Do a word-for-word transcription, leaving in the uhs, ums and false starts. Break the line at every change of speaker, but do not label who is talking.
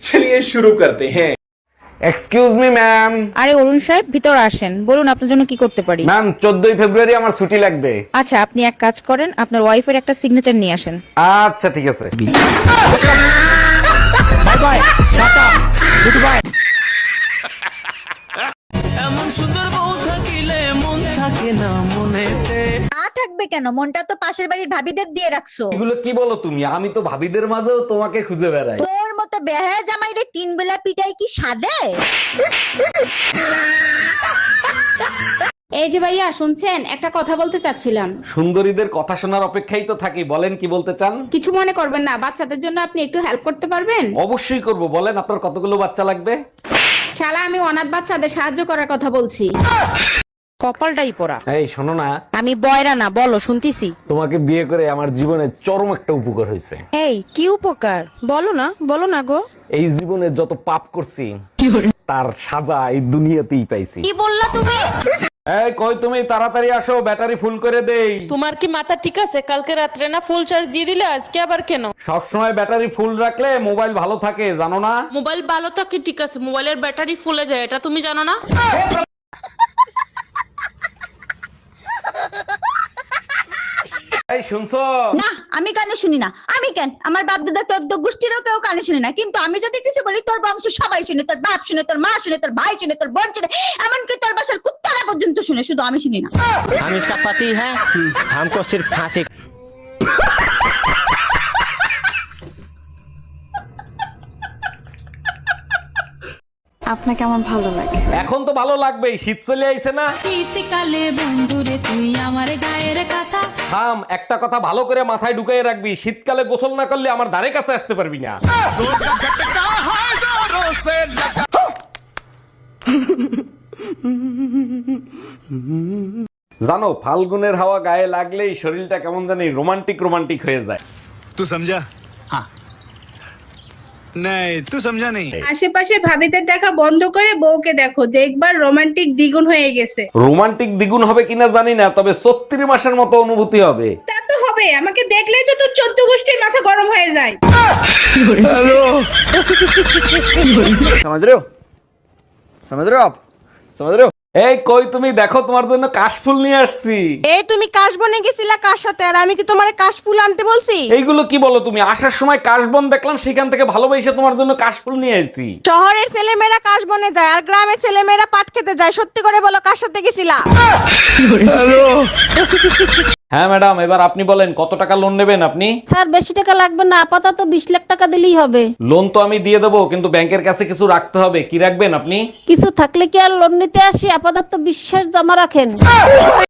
चलिए शुरू करते हैं।
Excuse me ma'am.
আরে অরুণ সাহেব ভিতরে আসেন, বলুন আপনার জন্য কি করতে পারি।
ম্যাম চোদ্দই ফেব্রুয়ারি আমার ছুটি লাগবে।
আচ্ছা আপনি এক কাজ করেন, আপনার ওয়াইফের একটা সিগনেচার নিয়ে আসেন।
আচ্ছা ঠিক আছে।
Bye bye, tata, good bye.
এমন সুন্দর বউ থাকিলে মন থাকে না মনেতে।
না থাকবে কেন, মনটা তো পাশের বাড়ির ভাবিদের দিয়ে রাখছো।
এগুলো কি বলো তুমি? আমি তো ভাবিদের মাঝেও তোমাকে খুঁজে বেড়াই।
তোর মতো বেহায়া জামাইরে তিন বেলা পিটাই কি সাদে?
এই যে ভাইয়া শুনছেন, একটা কথা বলতে চাচ্ছিলাম।
সুন্দরীদের কথা শোনার অপেক্ষাই তো থাকি, বলেন কি বলতে চান।
কিছু মনে করবেন না, বাচ্চাদের জন্য আপনি একটু হেল্প করতে পারবেন?
অবশ্যই করব, বলেন আপনার কতগুলো বাচ্চা লাগবে।
শালা আমি অনাথ বাচ্চাদের সাহায্য করার কথা বলছি।
কপালটাই পোড়া।
এই শোনো না,
আমি বয়রা না, বলো শুনতিছি।
তোমাকে বিয়ে করে আমার জীবনে চরম একটা উপকার হয়েছে।
এই কি উপকার বলো না, বলো না গো।
এই জীবনে যত পাপ করছি তার সাজা এই দুনিয়াতেই পাইছি।
কি বললা তুমি?
এই কই তুমি, তাড়াতাড়ি আসো, ব্যাটারি ফুল করে দেই।
তোমার কি মাথা ঠিক আছে? কালকে রাত্রে না ফুল চার্জ দিয়ে দিলে, আজকে আবার কেন?
সবসময় ব্যাটারি ফুল রাখলে মোবাইল ভালো থাকে, জানো না?
মোবাইল ভালো থাকে ঠিক আছে, মোবাইলের ব্যাটারি ফুলে যায়, এটা তুমি জানো না?
এই শুনছো?
না আমি কানে শুনি না। আমি কেন, আমার বাপ দাদা চোদ্দ গোষ্ঠীরও কেউ কানে শুনি না, কিন্তু আমি যদি কিছু বলি তোর বংশ সবাই শুনে, তোর বাপ শুনে, তোর মা শুনে, তোর ভাই শুনে, তোর বোন শুনে, এমনকি তোর বাসার কুত্তারা পর্যন্ত শুনে, শুধু আমি শুনি না।
हम इसका पति है, हमको सिर्फ फांसी।
আপনাকে আমার ভালো লাগে।
এখন তো ভালো লাগবেই, শীত চলে আইছে না।
শীতকালে বন্ধুরে তুই আমার গায়ের কথা।
থাম, একটা কথা ভালো করে মাথায় ঢুকাই রাখবি, শীতকালে গোসল না করলে আমার ধারে কাছে আসতে পারবি না। জানো, ফাল্গুনের হাওয়া গায়ে লাগলেই শরীরটা কেমন জানি রোমান্টিক রোমান্টিক হয়ে যায়।
तू समझा? हाँ नहीं तू समझा नहीं।
আশেপাশে ভাবিদের দেখা বন্ধ করে বউকে দেখো, দেখবার রোমান্টিক দ্বিগুণ হয়ে গেছে।
রোমান্টিক দ্বিগুণ হবে কিনা জানি না, তবে ছত্রিশ মাসের মতো অনুভূতি হবে।
তা তো হবে, আমাকে দেখলেই তো তোর চোদ্দ গোষ্ঠীর মাথা গরম হয়ে যায়।
समझ रहे हो समझ रहे हो आप समझ रहे हो?
এই কই তুমি, দেখো তোমার জন্য কাশফুল নিয়ে আসছি।
এই তুমি কাশবনে গেছিলা কার সাথে, আর আমি কি তোমারে কাশফুল আনতে বলছি?
এইগুলো কি বলো তুমি? আসার সময় কাশবন দেখলাম, সেখান থেকে ভালোবেসে তোমার জন্য কাশফুল নিয়ে আসছি।
শহরের ছেলেমেয়েরা কাশবনে যায় আর গ্রামের ছেলেমেয়েরা পাট খেতে যায়, সত্যি করে বলো কার সাথে গেছিলা?
হ্যাঁ ম্যাডাম, এবার আপনি বলেন কত টাকা লোন নেবেন আপনি?
স্যার বেশি টাকা লাগবে না, আপাতত বিশ লাখ টাকা দিলেই হবে।
লোন তো আমি দিয়ে দেবো, কিন্তু ব্যাংকের কাছে কিছু রাখতে হবে। কি রাখবেন আপনি?
কিছু থাকলে কি আর লোন নিতে আসি, আপাতত বিশ্বাস জমা রাখেন।